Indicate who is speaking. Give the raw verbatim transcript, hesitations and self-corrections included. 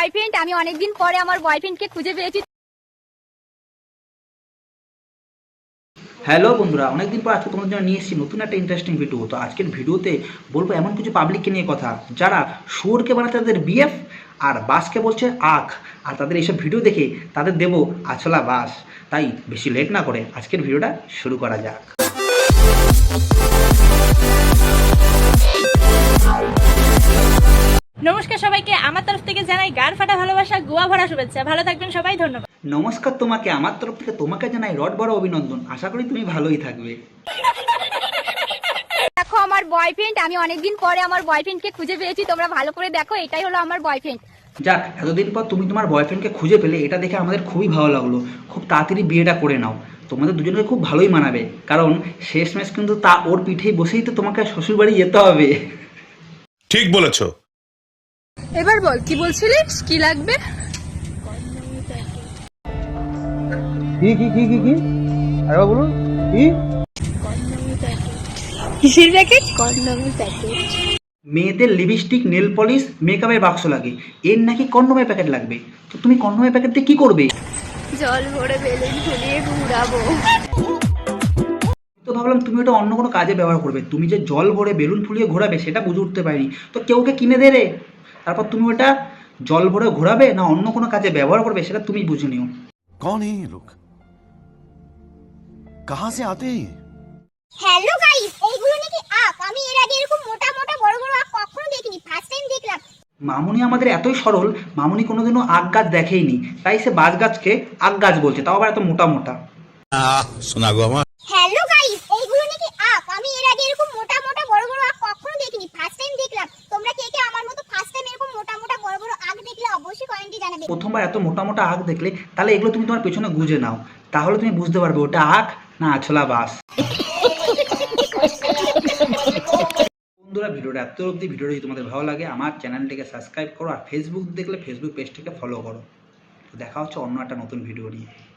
Speaker 1: Boyfriend, আমি অনেকদিন পরে আমার বয়ফ্রেন্ডকে খুঁজে পেয়েছি।
Speaker 2: হ্যালো বন্ধুরা, অনেকদিন পর আজকে তোমাদের জন্য নিয়ে এসেছি নতুন একটা ইন্টারেস্টিং ভিডিও। তো আজকের ভিডিওতে বলবো এমন কিছু পাবলিককে নিয়ে কথা যারা শুয়োরকে বানাতে তাদের বিএফ আর বাসকে বলছে আখ, আর তাদের এইসব ভিডিও দেখে তাদের দেবো আছলা বাস। তাই বেশি লেট না করে আজকের ভিডিওটা শুরু করা যাক।
Speaker 3: নমস্কার সবাইকে, আমার তরফ থেকে জানাই গার ফাটা ভালোবাসা, গোয়া ভরা শুভেচ্ছা। ভালো থাকবেন সবাই, ধন্যবাদ।
Speaker 2: নমস্কার তোমাকে, আমার তরফ থেকে তোমাকে জানাই রড বড় অভিনন্দন। আশা করি তুমি ভালোই থাকবে।
Speaker 1: দেখো আমার বয়ফ্রেন্ড, আমি অনেকদিন পরে আমার বয়ফ্রেন্ডকে খুঁজে পেয়েছি। তোমরা ভালো করে দেখো, এটাই হলো আমার বয়ফ্রেন্ড।
Speaker 2: যাক, এতদিন পর তুমি তোমার বয়ফ্রেন্ডকে খুঁজে পেলে, এটা দেখে আমাদের খুবই ভালো লাগলো। খুব তাড়াতাড়ি বিয়েটা করে নাও, তোমাদের দুজনকে খুব ভালোই মানাবে। কারণ শেষমেশ কিন্তু তা ওর পিঠেই বসেই তো তোমাকে শ্বশুরবাড়ি যেতে হবে।
Speaker 4: ঠিক বলেছো।
Speaker 1: এবার বল, কি বলছিলিস, কি লাগবে?
Speaker 5: কি কি কি কি কি আরে বলুন কি
Speaker 1: কিসের প্যাকেট? কন্ডমের প্যাকেট।
Speaker 2: মেয়েদের লিপস্টিক, নেল পলিশ, মেকআপের বাক্স লাগে, এর নাকি কন্ডোমের প্যাকেট লাগবে। তো তুমি কন্ডোমের প্যাকেট দিয়ে কি করবে?
Speaker 1: জল ভরে বেলুন ফুলিয়ে ঘুরাবো।
Speaker 2: তো ভাবলাম তুমি ওটা অন্য কোনো কাজে ব্যবহার করবে। তুমি যে জল ভরে বেলুন ফুলিয়ে ঘোরাবে সেটা বুঝে উঠতে পারিনি। তো কেউকে কিনে দে রে, তারপর তুমি ওটা জল ভরে ঘোরাবে না অন্য কোনো কাজে ব্যবহার করবে সেটা তুমি বুঝে নিও।
Speaker 4: कौन है ये लोग? कहां से आते हैं ये?
Speaker 6: হ্যালো গাইস, এইগুলো নাকি আখ। আমি এর আগে এরকম মোটা মোটা বড় বড় আখ কখনো দেখিনি, ফার্স্ট টাইম দেখলাম।
Speaker 2: মামুনি আমাদের এতই সরল, মামুনি কোনোদিনও আখ গাছ দেখেইনি, তাই সে বাঁশ গাছকে আখ গাছ বলছে, তাও আবার এত মোটা মোটা।
Speaker 4: सुना गो আমার।
Speaker 6: হ্যালো গাইস, এইগুলো নাকি আখ। আমি এর আগে এরকম মোটা মোটা বড় বড় আখ কখনো দেখিনি, ফার্স্ট টাইম দেখলাম। তোমরা কে কে আমার মতো ফার্স্ট টাইম এরকম মোটা মোটা বড় বড় আখ দেখলে অবশ্যই কমেন্টে জানাবে।
Speaker 2: প্রথমবার এত মোটা মোটা আখ দেখলে তাহলে এগুলো তুমি তোমার পেছনে গুঁজে নাও, তাহলে তুমি বুঝতে পারবে ওটা আখ না আছলা বাস। বন্ধুরা, ভিডিওটা এত অবধি। ভিডিওটা যদি তোমাদের ভালো লাগে আমার চ্যানেলটিকে সাবস্ক্রাইব করো, আর ফেসবুক দেখলে ফেসবুক পেজটিকে ফলো করো। তো দেখা হচ্ছে অন্য একটা নতুন ভিডিও নিয়ে।